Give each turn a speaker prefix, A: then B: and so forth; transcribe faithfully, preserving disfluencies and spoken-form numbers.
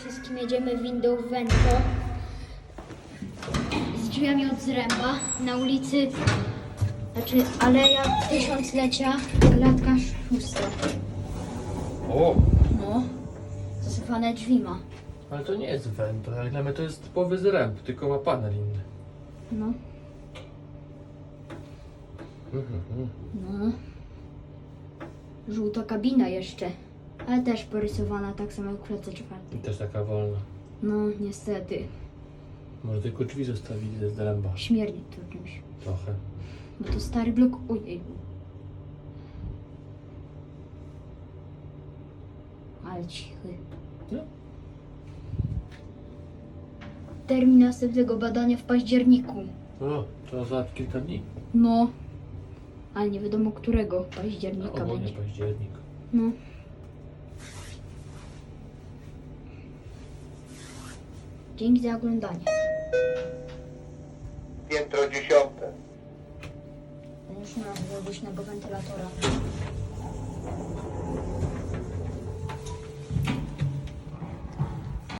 A: wszystkim jedziemy windą w Wento z drzwiami od zręba na ulicy, znaczy Aleja Tysiąclecia, klatka szósta.
B: O,
A: No, zasypane drzwi ma.
B: ale to nie jest Vento, jak dla mnie to jest typowy zręb, tylko ma panel inny.
A: No,
B: Mhm, mhm.
A: no. Żółta kabina jeszcze, ale też porysowana tak samo jak w klatce czwartej.
B: I też taka wolna.
A: No, niestety,
B: Może tylko drzwi zostawili ze zręba.
A: śmierdzi to czymś.
B: Trochę.
A: Bo to stary blok, ojej. Ale cichy.
B: No.
A: Termin następnego badania w październiku.
B: O, to za kilka dni.
A: No, ale nie wiadomo którego października
B: Ogólnie
A: będzie.
B: październik.
A: No. Dzięki za oglądanie.
C: Piętro dziesiąte.
A: Już na głośnego wentylatora.